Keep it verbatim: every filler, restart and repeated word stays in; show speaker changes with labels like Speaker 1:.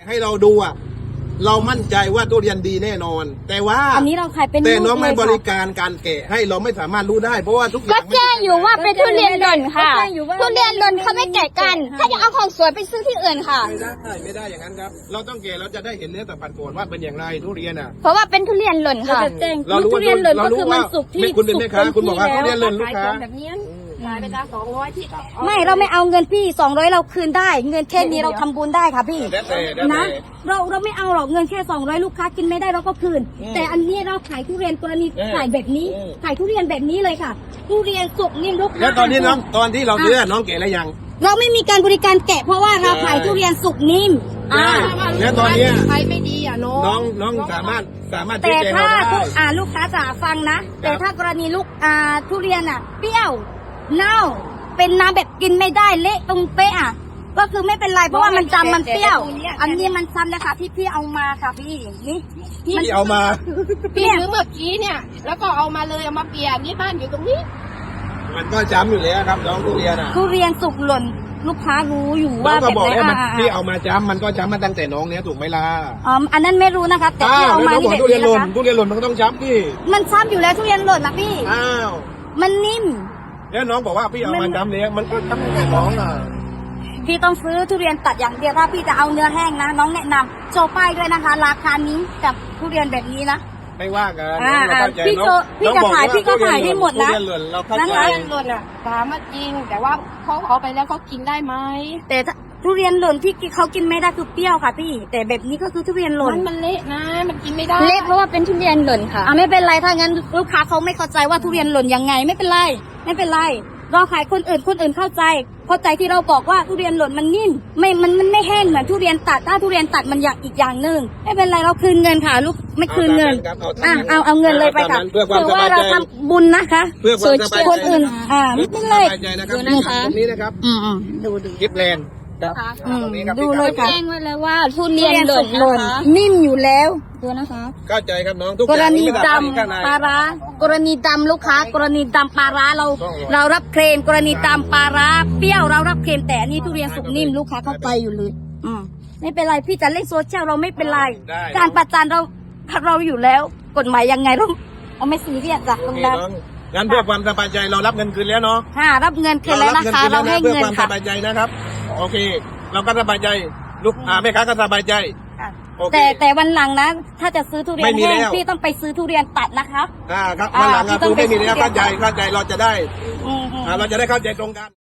Speaker 1: ให้เราดูอ่ะเรามั่นใจว่าทุเรียนดีแน่นอน แต่ว่า
Speaker 2: อันนี้เราขายเป็น
Speaker 1: แต่น้องไม่
Speaker 2: ลูกเลยค่ะ
Speaker 1: บริการการแกะให้เราไม่สามารถรู้ได้เพราะว่าทุกอย่าง
Speaker 3: ก็แจ้งอยู่ว่าเป็นทุเรียนหล่นค่ะ
Speaker 2: ก็แจ้งอยู่ว่า
Speaker 3: ทุเรียนหล่นเขาไม่แกะกัน ถ้าจะเอาของสวยไปซื้อที่อื่นค่ะ
Speaker 1: ไม่ได้ไม่ได้อย่างนั้นครับเราต้องแกะเราจะได้เห็นเนื้อสัมผัสก่อนว่าเป็นอย่างไรทุเรียนอ่ะ
Speaker 3: เพราะว่าเป็นทุเรียนหล่น
Speaker 2: เรา
Speaker 3: ค่ะ
Speaker 2: จะแจ้ง
Speaker 1: เรารู้
Speaker 2: ทุเรียนหล่น
Speaker 1: เรา
Speaker 2: ก็
Speaker 1: รู้
Speaker 2: คือมัน
Speaker 1: ว่า
Speaker 2: สุกที่
Speaker 1: คุณเป็นแม่ค้า
Speaker 2: สุก
Speaker 1: คุณบอกว่าทุเรียนหล่นลูกค้า
Speaker 4: แบบนี้ขายไปละสองร้อยที่ก็
Speaker 2: ไม่เราไม่เอาเงินพี่สองร้อยเราคืนได้ เงินแค่นี้เราทำบุญได้ค่ะพี่
Speaker 1: แล้วแต่แล้วแต่
Speaker 2: นะเราเราไม่เอาหรอกเงินแค่สองร้อยลูกค้ากินไม่ได้เราก็คืน
Speaker 1: อืม
Speaker 2: แต่อันนี้เราขายทุเรียนกรณี
Speaker 1: อืม
Speaker 2: ขายแบบนี้
Speaker 1: อืม
Speaker 2: ขายทุเรียนแบบนี้เลยค่ะ ทุเรียนสุกนิ่มลูกค้า
Speaker 1: แล้วตอนนี้น้องตอนที่เราซื้อน้องแกะแล้วยัง
Speaker 2: เราไม่มีการบริการแกะเพราะว่าเราขายทุเรียนสุกนิ่มอ่า
Speaker 1: แล้วตอนเนี้ย
Speaker 4: ใช้ไม่ดีอ่ะน้อง
Speaker 1: น้องน้องสามารถสามารถ
Speaker 2: แต่
Speaker 1: ชี้แจง
Speaker 2: ถ้า
Speaker 1: เราได้
Speaker 2: ทุกอ่าลูกค้าจ๋าฟังนะ แต่ถ้ากรณีลูกอ่าทุเรียนอ่ะ เปรี้ยวเน่าเป็นน้ำแบบกินไม่ได้เละตรงเป๊ะอ่ะก็คือไม่เป็นไรเพราะว่ามันจำมันเปรี้ยว อันนี้มันซ้ำนะคะที่พี่เอามาค่ะพี่นี่
Speaker 1: ที่เอามา
Speaker 4: พี่ซื้อเมื่อกี้เนี่ย แล้วก็เอามาเลยเอามาเปลี่ยนนี่บ้านอยู่ตรงนี้
Speaker 1: มันก็จำอยู่แล้วครับน้องทุเรียนอ่ะ
Speaker 2: ทุเรียนสุกหล่นลูกค้ารู้อยู่
Speaker 1: น้อ
Speaker 2: ว่าง
Speaker 1: ก็
Speaker 2: แบบ
Speaker 1: บอก
Speaker 2: ไหน
Speaker 1: แล้วมัน
Speaker 2: อ่า
Speaker 1: ที่เอามาจำมันก็จำมาตั้งแต่น้องเนี้ยถูกไหมล่ะ
Speaker 2: อ๋ออันนั้นไม่รู้นะคะ แต่
Speaker 1: อ้า
Speaker 2: ที่
Speaker 1: ว
Speaker 2: เอา
Speaker 1: แล้ว
Speaker 2: มา
Speaker 1: น้องบอก
Speaker 2: นี่แบบ
Speaker 1: ทุเรียนห
Speaker 2: นี้
Speaker 1: ล่น
Speaker 2: นะคะ
Speaker 1: ทุเรียนหล่นมันก็ต้องจำดิ
Speaker 2: มันซ้ำอยู่แล้วทุเรียนหล่นนะพี่
Speaker 1: อ้าว
Speaker 2: มันนิ่ม
Speaker 1: แล้วน้องบอกว่าพี่เอามาจำแล้วมันก็จำตั้งแต่น้องอ่ะ
Speaker 2: พี่ต้องซื้อทุเรียนตัดอย่างเดียวถ้าพี่จะเอาเนื้อแห้งนะ น้องแนะนำโชว์ป้ายด้วยนะคะ ราคานี้กับทุเรียนแบบนี้นะ
Speaker 1: ไม่ว่ากัน
Speaker 2: อ่า
Speaker 1: น้องเข้าใจ
Speaker 2: พี่
Speaker 1: น้อง
Speaker 2: โจพี่
Speaker 1: น้อง
Speaker 2: จะ
Speaker 1: บอก
Speaker 2: ขาย
Speaker 1: ว่
Speaker 2: พี่ก็ขายได้หมดนะ
Speaker 1: ทุเรียนหล่นเราเข้า
Speaker 2: นะ
Speaker 1: ใจ
Speaker 2: คะ
Speaker 4: ทุเรียนหล่นอ่ะถามมาจริง แต่ว่าเขาเอาไปแล้วเขากินได้ไหม
Speaker 2: แต่ถ้าทุเรียนหล่นที่เขากินไม่ได้คือเปรี้ยวค่ะพี่ แต่แบบนี้ก็คือทุเรียนหล่น
Speaker 4: มันมันเละนะ มันกินไม่ได้
Speaker 3: เละเพราะว่าเป็นทุเรียนหล่นค่ะ
Speaker 2: อ่ะไม่เป็นไรถ้างั้นลูกค้าเขาไม่เข้าใจว่าทุเรียนหล่นยังไงไม่เป็นไรไม่เป็นไรเราขายคนอื่นคนอื่นเข้าใจ เข้าใจที่เราบอกว่าทุเรียนหล่นมันนิ่มไม่มันมันไม่แห้งเหมือนทุเรียนตัดถ้าทุเรียนตัดมันอย่างอีกอย่างหนึ่งไม่เป็นไรเราคืนเงินค่ะลูกไม่คืนเงิน
Speaker 1: ครับ
Speaker 2: อ่ะ
Speaker 1: ตม
Speaker 2: เอาเอาเงินเลยไปค่ะ
Speaker 1: เพื่อความ
Speaker 2: ถือ
Speaker 1: ส
Speaker 2: ว่า
Speaker 1: บาย
Speaker 2: เรา
Speaker 1: ใจ
Speaker 2: ทำบุญนะคะ
Speaker 1: เพื่อความสบายใจ
Speaker 2: คนอื่นอ่าไม่เป็นไร
Speaker 1: สบายใจนะครับ
Speaker 3: ดูนะคะ
Speaker 1: ตรงนี้นะครับ
Speaker 2: อืมอืมดูดู
Speaker 1: คลิปแลนด์ครับ
Speaker 2: อืม
Speaker 1: ตรงนี้ครับ
Speaker 2: ดูเลยค่ะ
Speaker 3: แจ้งไว้แล้วว่าทุเรียนหล่น
Speaker 2: หล่น
Speaker 3: นะคะ
Speaker 2: นิ่มอยู่แล้วดูนะคะ
Speaker 1: เข้าใจครับน้องทุก
Speaker 2: ก
Speaker 1: อ
Speaker 2: ร
Speaker 1: ย่าง
Speaker 2: ณี
Speaker 1: ไม่
Speaker 2: ด
Speaker 1: ได้ข้างใน
Speaker 2: ำปลาร้ากรณีดำลูกค้ากรณีดำปลาร้าเรา
Speaker 1: ต้องรอ
Speaker 2: เรารับเคลมกรณีดำปลาร้าเปรี้ยวเรารับเคลมแต่อันนี้ทุเรียนสุกนิ่มลูกค้าเข้าไปอยู่เลยอืมไม่เป็นไรพี่จะเล่นโซเชียลเราไม่เป็นไร
Speaker 1: ได้
Speaker 2: การประจานเราเราอยู่แล้ว กฎหมายยังไงเราเราไม่ซีเรียสจ้ะต
Speaker 1: โอ
Speaker 2: รง
Speaker 1: เค
Speaker 2: นั้น
Speaker 1: น้องงั้นเพื่อความสบายใจเรารับเงินคืนแล้วเนาะ
Speaker 2: ค่ะรับเงินคืนแล้วนะคะ
Speaker 1: เรา
Speaker 2: เรา
Speaker 1: รับ
Speaker 2: ให้
Speaker 1: เงินคืน
Speaker 2: เงิ
Speaker 1: แล้ว
Speaker 2: น
Speaker 1: นะเพื่อความส
Speaker 2: ค่ะ
Speaker 1: บายใจนะครับ โอเค เราก็สบายใจลูกอ่าแม่ค้าก็สบายใจ
Speaker 2: ค่ะ
Speaker 1: โอเค
Speaker 2: แต่แต่วันหลังนะถ้าจะซื้อทุเรีย
Speaker 1: ไม่
Speaker 2: น
Speaker 1: มี
Speaker 2: แห้ง
Speaker 1: แล้ว
Speaker 2: พี่ต้องไปซื้อทุเรียนตัดนะคะ
Speaker 1: อ่าครับ
Speaker 2: อ่า
Speaker 1: วันหลังอ่ะ
Speaker 2: ที่ต้
Speaker 1: คือ อง
Speaker 2: ไป
Speaker 1: ไม่มีแล้ว
Speaker 2: ซื้อ
Speaker 1: เข้าใจเข้าใจเราจะได้
Speaker 2: อืมอืม
Speaker 1: อ่าเราจะได้เข้าใจตรงกัน